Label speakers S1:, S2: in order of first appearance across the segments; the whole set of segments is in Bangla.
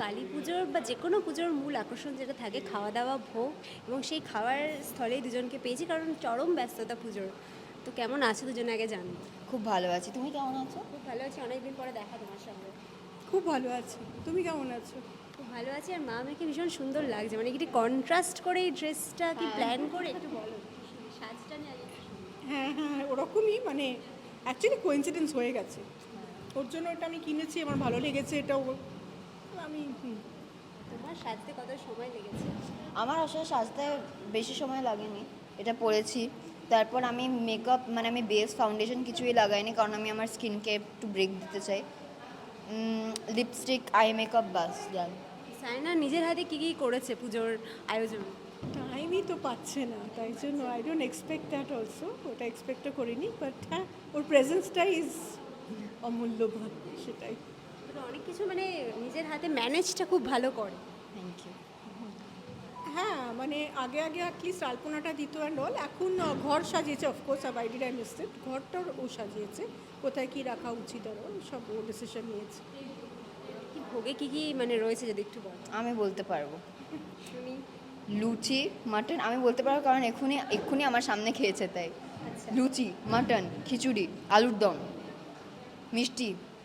S1: কালী পুজোর বা যে কোনো পুজোর মূল আকর্ষণ যেটা থাকে খাওয়া দাওয়া ভোগ এবং সেই খাওয়ার স্থলেই দুজনকে পেয়েছি কারণ চরম ব্যস্ততা পুজোর। তো কেমন আছো দুজনে আগে জানবো।
S2: খুব ভালো আছি। তুমি কেমন আছো?
S1: খুব ভালো আছি, অনেকদিন পরে দেখা তোমার সঙ্গে।
S3: খুব ভালো আছি। তুমি কেমন আছো?
S1: খুব ভালো আছি, আর মা আমাকে ভীষণ সুন্দর লাগছে, মানে কি কন্ট্রাস্ট করে এই ড্রেসটা কি প্ল্যান করে একটু বলো, সাজটা নিয়ে আগে একটু শুনি।
S3: হ্যাঁ হ্যাঁ, ওরকমই মানে অ্যাকচুয়ালি কোইন্সিডেন্স হয়ে গেছে। ওর জন্য ওটা আমি কিনেছি, আমার ভালো লেগেছে এটাও। আমি
S1: তোমার সাজতে কত সময় লেগেছে?
S2: আমার আসলে সাজতে বেশি সময় লাগেনি। এটা পরেছি, তারপর আমি মেকআপ মানে আমি বেস ফাউন্ডেশন কিছুই লাগাইনি, কারণ আমি আমার স্কিনকে একটু ব্রেক দিতে চাই। লিপস্টিক, আই মেকআপ, বাস ডান।
S1: সায়না নিজের হাতে কি কি করেছে পুজোর আয়োজন?
S3: টাইমই তো পাচ্ছে না, তাই জন্য I don't expect that also. ওটা এক্সপেক্টও করিনি, বাট হ্যাঁ, ওর প্রেজেন্সটা ইজ অমূল্যবান, সেটাই।
S1: তো অনেক কিছু মানে নিজের হাতে ম্যানেজটা খুব ভালো করে।
S2: Thank you.
S3: হ্যাঁ, মানে আগে আগে অ্যাটলিস্ট আলপনাটা দিত অ্যান্ড অল। এখন ঘর সাজিয়েছে, of course I did I miss it. ঘরটাও ও সাজিয়েছে, কোথায় কী রাখা উচিত আরও সব ও ডিসিশন নিয়েছে।
S1: কি ভোগে কি কি মানে রয়েছে যদি একটু বলো।
S2: আমি বলতে পারবো।
S1: শুনি।
S2: লুচি, মাটন আমি বলতে পারবো, কারণ এক্ষুনি এক্ষুনি আমার সামনে খেয়েছে তাই।
S1: আচ্ছা।
S2: লুচি, মাটন, খিচুড়ি, আলুর দম, মিষ্টি।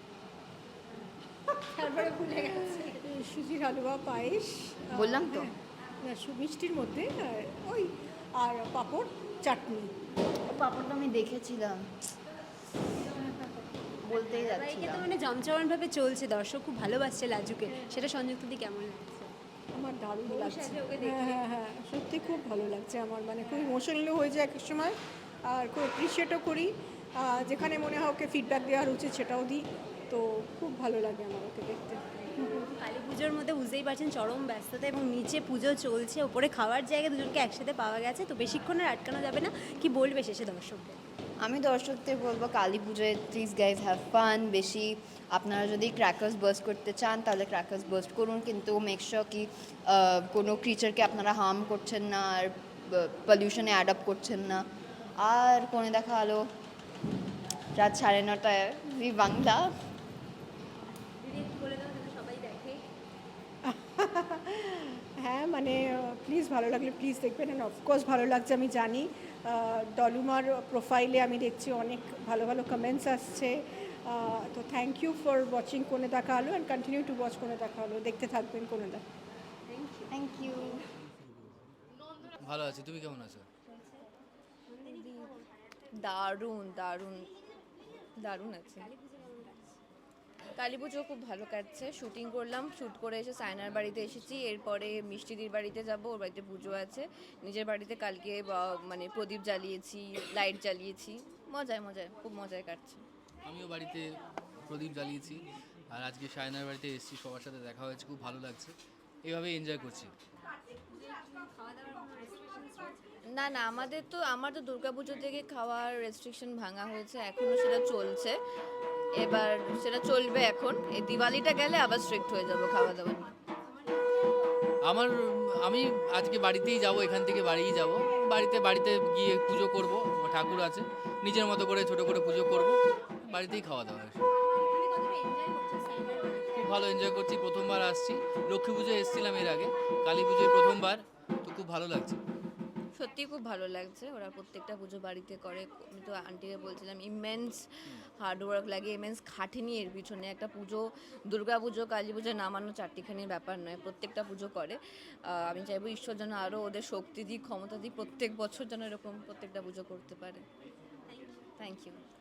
S1: তারপরে ভুলে গেছে।
S3: সুজির হালুয়া, পায়েস,
S2: বললাম তো।
S3: হ্যাঁ, না মিষ্টির মধ্যে ওই আর পাঁপড়, চাটনি।
S2: পাপড়টা আমি দেখেছিলাম, বলতেই
S1: ধারাবাহিকে তো
S2: যাচ্ছিলাম।
S1: মানে জমজমাটভাবে চলছে, দর্শক খুব ভালোবাসছে লাজুকে, সেটা সংযুক্তদি কেমন লাগছে?
S3: আমার দারুণ
S1: বউ
S3: লাগছে।
S1: সাজে ওকে
S3: হ্যাঁ
S1: দেখে।
S3: হ্যাঁ হ্যাঁ, সত্যি খুব ভালো লাগছে আমার, মানে খুব ইমোশনালও হয়ে যায় এক এক সময়, আর খুব অ্যাপ্রিসিয়েটও করি। যেখানে মনে হয় ওকে ফিডব্যাক দেওয়ার উচিত সেটাও দিই। তো খুব ভালো লাগে আমার ওকে দেখতে।
S1: কালী পুজোর মধ্যে বুঝতেই পারছেন চরম ব্যস্ততা, এবং নিচে পুজো চলছে, ওপরে খাওয়ার জায়গায় দুজনকে একসাথে পাওয়া গেছে, তো বেশিক্ষণ আর আটকানো যাবে না। কি বলবে শেষে দর্শককে?
S2: আমি দর্শকদের বলবো কালী পুজোয় প্লিজ গাইজ হ্যাভ ফান বেশি। আপনারা যদি ক্র্যাকার্স বার্স্ট করতে চান তাহলে ক্র্যাকার্স বার্স্ট করুন, কিন্তু মেক শিওর কি কোনো ক্রিচারকে আপনারা হার্ম করছেন না, আর পলিউশনে অ্যাড আপ করছেন না। আর কোণে দেখা আলো রাত 9:30টায় জি বাংলা।
S1: দিদি একটু বলে দাও যাতে সবাই দেখে।
S3: হ্যাঁ মানে প্লিজ ভালো লাগলে প্লিজ দেখবেন, অ্যান্ড অফকোর্স ভালো লাগছে আমি জানি। ডলুমার প্রোফাইলে আমি দেখছি অনেক ভালো ভালো কমেন্টস আসছে। তো থ্যাংক ইউ ফর ওয়াচিং কোণে দেখা আলো, অ্যান্ড কন্টিনিউ টু ওয়াচ কোণে দেখা আলো। দেখতে থাকবেন কোণে দেখা।
S2: Thank you.
S4: ভালো আছি, তুমি কেমন আছো?
S5: দারুণ দারুণ দারুণ আছে। কালী পুজো খুব ভালো কাটছে। শুটিং করলাম, শ্যুট করে এসে সায়নার বাড়িতে এসেছি, এরপরে মিষ্টিদির বাড়িতে যাব, ওর বাড়িতে পুজো আছে। নিজের বাড়িতে কালকে মানে প্রদীপ জ্বালিয়েছি, লাইট জ্বালিয়েছি, মজায় মজায় খুব মজায় কাটছে।
S4: আমিও বাড়িতে প্রদীপ জ্বালিয়েছি, আর আজকে সায়নার বাড়িতে এসেছি, সবার সাথে দেখা হয়েছে, খুব ভালো লাগছে, এইভাবেই এনজয় করছি।
S5: না না, আমার তো দুর্গাপুজো থেকে খাওয়ার রেস্ট্রিকশন ভাঙা হয়েছে, এখনও সেটা চলছে। এবার সেটা চলবে এখন, এই দিওয়ালিটা গেলে আবার স্ট্রিক্ট হয়ে যাবো খাওয়া দাওয়া নিয়ে।
S4: আমার আমি আজকে বাড়িতেই যাব, এখান থেকে বাড়িই যাব। বাড়িতে বাড়িতে গিয়ে পুজো করব, ঠাকুর আছে, নিজের মতো করে ছোট করে পুজো করব, বাড়িতেই খাওয়া দাওয়া। খুব ভালো এনজয় করছি, প্রথমবার আসছি। লক্ষ্মী পুজোয় এসেছিলাম এর আগে, কালী পুজোয় প্রথমবার, তো খুব ভালো লাগছে।
S5: সত্যি খুব ভালো লাগছে, ওরা প্রত্যেকটা পুজো বাড়িতে করে। আমি তো আন্টিকে বলছিলাম ইমেন্স হার্ডওয়ার্ক লাগে, ইমেন্স খাটেনি এর পিছনে। একটা পুজো, দুর্গা পুজো, কালী পুজো নামানো চারটিখানির ব্যাপার নয়, প্রত্যেকটা পুজো করে। আমি চাইবো ঈশ্বর যেন আরও ওদের শক্তি দিক, ক্ষমতা দিক, প্রত্যেক বছর যেন এরকম প্রত্যেকটা পুজো করতে পারে। Thank you.